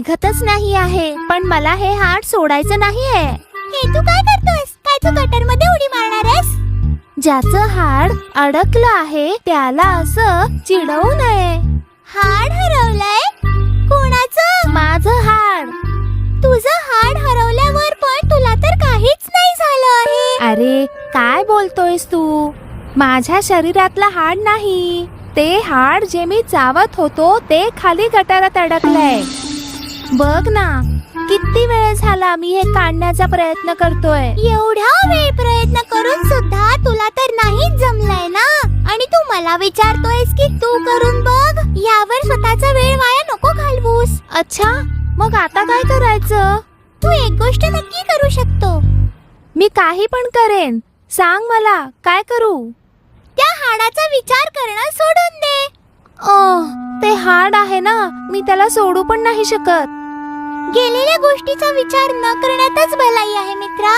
निघतच नाही आहे. पण मला हे हाड सोडायचं नाहीये. हे तू काय करतोयस? काय तू गटर मध्ये उडी मारणार आहेस? ज्याचं हाड अडकलं आहे त्याला असं चिडवू नये. हाड हरवलंय? कोणाचं? माझं हाड. तुझं हाड हरवल्यावर पण तुला तर काहीच नाही झालं आहे. अरे काय बोलतोयस तू? माझ्या शरीरातलं हाड नाही, ते हाड जे मी चावत होतो ते खाली गटारात अडकलंय. बघ ना, किती वेळ झाला मी हे काढण्याचा प्रयत्न करतोय. एवढा वेळ प्रयत्न करून सुद्धा तुला तर नाहीच जमलंय ना. आणि तू मला विचारतोयस की तू करून बघ. यावर स्वतःचा वेळ वाया नको घालवूस. अच्छा, मग आता काय करायचं? तू एक गोष्ट नक्की करू शकतो. मी काही पण करेन. सांग मला काय करू? त्या हाडाचा विचार करणं सोडून दे. ते हाड आहे ना, मी त्याला सोडू पण नाही शकत. गेलेल्या गोष्टीचा विचार न करण्यातच भलाई आहे मित्रा.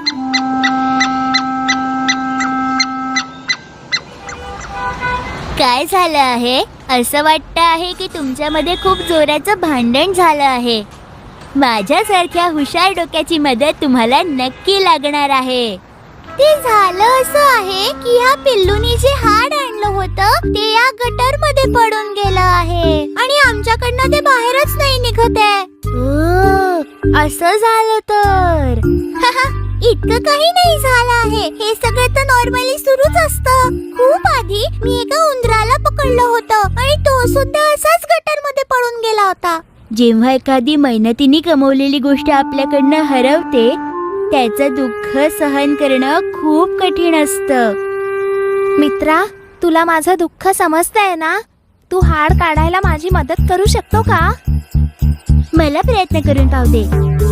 काय झालं आहे? असं वाटतं आहे की तुमच्यामध्ये खूप जोराचं भांडण झालं आहे. माझ्यासारख्या हुशार डोक्याची मदत तुम्हाला नक्की लागणार आहे. ते झालं असं आहे की ह्या पिल्लूनी जे हाड आणलं होतं ते या गटर मध्ये पडून गेलं आहे आणि आमच्याकडनं ते बाहेरच नाही निघत आहे. असं झालं तर इतकं काही नाही झालं आहे. हे सगळं तर नॉर्मली सुरूच असतं. खूप आधी मी एका उंदराला पकडलं होतं आणि तो सुद्धा असाच गटर मध्ये पडून गेला होता. जेव्हा एखादी मेहनतीने कमवलेली गोष्ट आपल्याकडनं हरवते त्याचं दुःख सहन करणं खूप कठीण असतं. मित्रा, तुला माझं दुःख समजतंय ना? तू हाड काढायला माझी मदत करू शकतो का? मला प्रयत्न करून पाहू दे.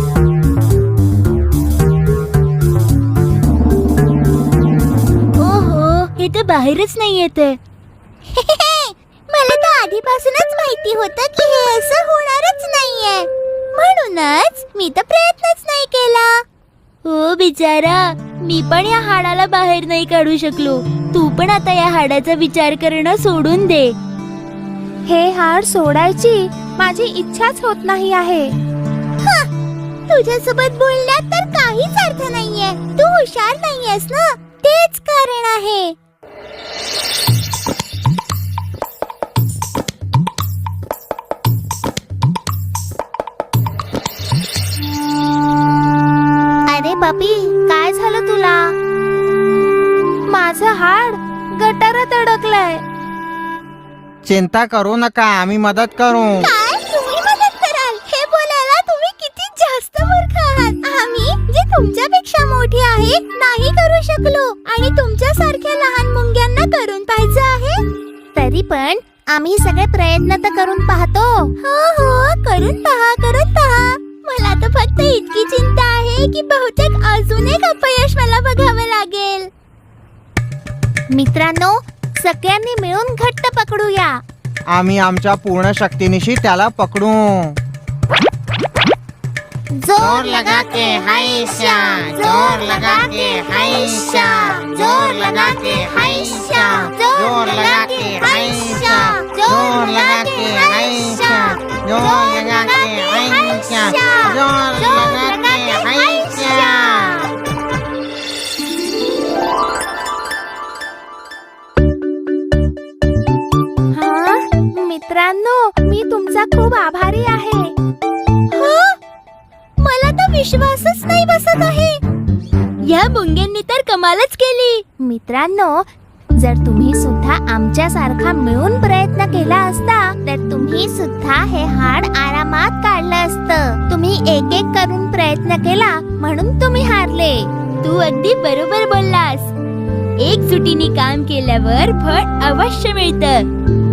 ओहो, हे तर बाहेरच नाही येत. मला तर आधीपासूनच माहिती होतं की हे असं होणारच नाहीये. म्हणूनच मी तर प्रयत्नच नाही केला. हो बिचारा, मी पण या हाडाला बाहेर नाही काढू शकलो. तू पण आता या हाडाचा विचार करणं सोडून दे. हे हाड सोडायची माझी इच्छाच होत नाही आहे. तुझ्यासोबत बोलण्यात तर काहीच अर्थ नाहीये. तू हुशार नाहीयेस ना, तेच कारण आहे. अरे बापी, काय झालं तुला? माझं हाड गटारात अडकलंय. चिंता करू नका, आम्ही मदत करू. काय तुम्ही मदत कराल? हे बोलायला तुम्ही किती जास्त मूर्ख आहात. आम्ही जे तुमच्यापेक्षा मोठे आहेत नाही करू शकलो आणि तुमच्या सारख्या लहान मुंग्यांना करून पाहिजे आहे. तरी पण आम्ही सगळे प्रयत्न तर करून पाहतो. हो हो, करून पहा, करून पहा. मला तर फक्त इतकी चिंता आहे की बहुतेक अजून एक अपयश मला बघावं लागेल. मित्रांनो, सगळ्यांनी मिळून घट्ट पकडूया. आम्ही आमच्या पूर्ण शक्तीनिशी त्याला पकडू. जोर लगा के हाइशा, जोर लगा के हाइशा, जोर लगा के हाइशा, जोर लगा के हाइशा, जोर लगा के हाइशा, जोर लगा के हाइशा, जोर लगा के हाइशा. मित्रांनो, मी तुमचा खूप आभारी आहे. मला तर विश्वासच नाही बसत आहे. या मुंग्यांनी तर कमालच केली. मित्रांनो, जर तुम्ही सुद्धा आमच्या सारखा मिळून प्रयत्न केला असता तर तुम्ही सुद्धा हे हाड आरामात काढलं असतं. तुम्ही एक एक करून प्रयत्न केला म्हणून तुम्ही हारले. तू अगदी बरोबर बोललास. एकजुटीने काम केल्यावर फळ अवश्य मिळतं.